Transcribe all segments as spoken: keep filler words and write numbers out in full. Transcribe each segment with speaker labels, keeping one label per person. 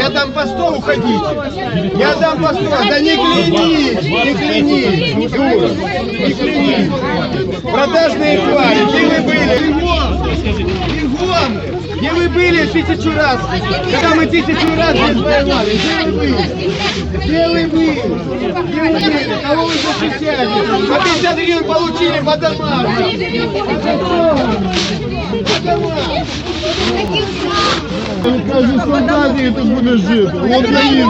Speaker 1: Я дам по сто, уходите. Я дам по сто. Да не клянись, не клянись, не дура, не клянись. Продажные твари, где вы были? Бегом! Где вы были тысячу раз? Когда мы тысячу раз здесь воевали, где вы были? Где вы были? Где вы были? Кого вы защищали? По пятьдесят гривен получили по домам. По домам.
Speaker 2: Каждый солдат это будешь жить. Вот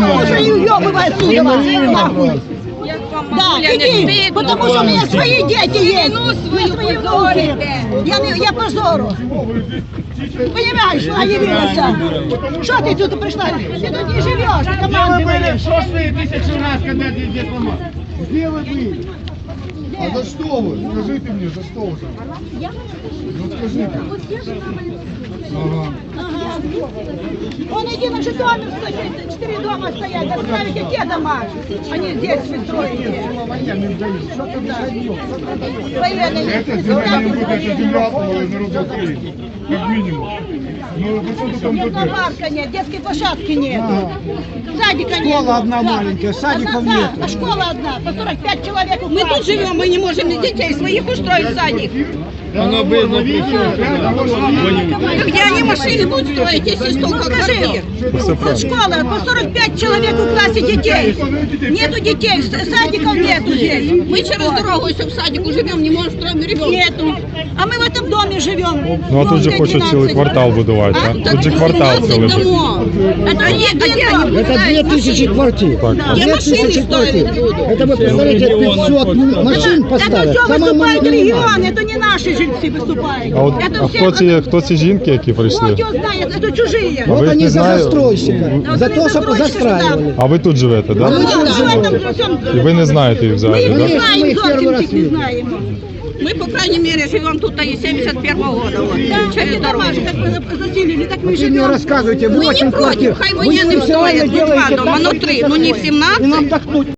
Speaker 2: наивно.
Speaker 3: Да, иди, потому что у меня свои дети есть. Свои внуки. Я, не, я позору. Понимаешь, что я явилась? Что ты тут пришла? Ты тут не живешь, ты команды
Speaker 1: были в прошлые тысячу раз, когда здесь ломал. Где вы были?
Speaker 2: А за что вы? Скажите мне, за что вы? Ну скажите. Ага.
Speaker 3: Он один же доме стоит, четыре дома стоят. Оставите те дома, они здесь строите. Военные.
Speaker 2: Эта земля не будет, эта земля народа Украины. Как минимум. Ну, вы что там
Speaker 3: Нет
Speaker 2: будете?
Speaker 3: парка нет, детской площадки нет. Садика нет.
Speaker 4: Школа одна маленькая, садиков
Speaker 3: одна,
Speaker 4: нет.
Speaker 3: А школа одна, по сорок пять человек.
Speaker 5: Мы тут живем, мы не можем детей своих устроить в садик.
Speaker 1: Оно было
Speaker 5: Ну где они машины будут строить, если столько квартир?
Speaker 3: Вот школа, по сорок пять человек в классе детей. Нету детей, садиков нету здесь.
Speaker 5: Мы через дорогу, если в садику живем, не можем строить ребенка.
Speaker 3: Нету. А мы в этом доме живем.
Speaker 6: Ну а тут же хочуть цілий квартал будувати, а? Тут же квартал цілий буде.
Speaker 5: Это не, где они
Speaker 4: Это две тысячи квартир.
Speaker 6: Так.
Speaker 5: Я
Speaker 4: Две
Speaker 5: машины
Speaker 4: тысячи квартир.
Speaker 5: строить буду.
Speaker 4: Это вы представляете, пятьсот машин
Speaker 3: Это
Speaker 4: поставят.
Speaker 3: все
Speaker 4: Самое
Speaker 3: выступают
Speaker 4: минимальное.
Speaker 3: регионы, это не наши жильцы выступают.
Speaker 6: А от
Speaker 3: Это
Speaker 6: а
Speaker 3: все-
Speaker 6: хто ці хто ці жінки, які
Speaker 3: Вот
Speaker 6: прийшли?
Speaker 3: его знает, это чужие.
Speaker 6: А
Speaker 4: Вот
Speaker 6: вы их
Speaker 4: они
Speaker 6: не
Speaker 4: за
Speaker 6: знаете?
Speaker 4: застройщика,
Speaker 3: Да,
Speaker 4: за
Speaker 3: вы
Speaker 4: то, чтобы
Speaker 3: застройщика
Speaker 4: застраивали.
Speaker 6: А ви тут живете, так?
Speaker 3: Ну,
Speaker 6: Да?
Speaker 3: да, в этом во всем-
Speaker 6: І ви не знаєте їх
Speaker 3: Мы
Speaker 6: взагалі,
Speaker 3: их
Speaker 6: так?
Speaker 3: не
Speaker 4: Конечно, мы
Speaker 3: знаем,
Speaker 4: их первый
Speaker 3: зовсім
Speaker 4: раз
Speaker 3: их не
Speaker 4: видим.
Speaker 3: знаем.
Speaker 5: Мы, по крайней мере, живем тут и с семьдесят первого года. Вот,
Speaker 3: Да,
Speaker 5: через
Speaker 3: эти
Speaker 5: дорогу.
Speaker 3: дома же как бы заселили, так мы
Speaker 4: Вы мне
Speaker 3: живем.
Speaker 4: рассказывайте,
Speaker 5: Мы не
Speaker 4: восемь
Speaker 5: против,
Speaker 4: квартир.
Speaker 5: хай
Speaker 4: Вы
Speaker 5: военным
Speaker 4: специально
Speaker 5: строят, не два
Speaker 4: делаете
Speaker 5: дома,
Speaker 4: так,
Speaker 5: но
Speaker 4: как
Speaker 5: три,
Speaker 4: хотите
Speaker 5: но не в
Speaker 4: строить.
Speaker 5: семнадцать.
Speaker 4: И нам так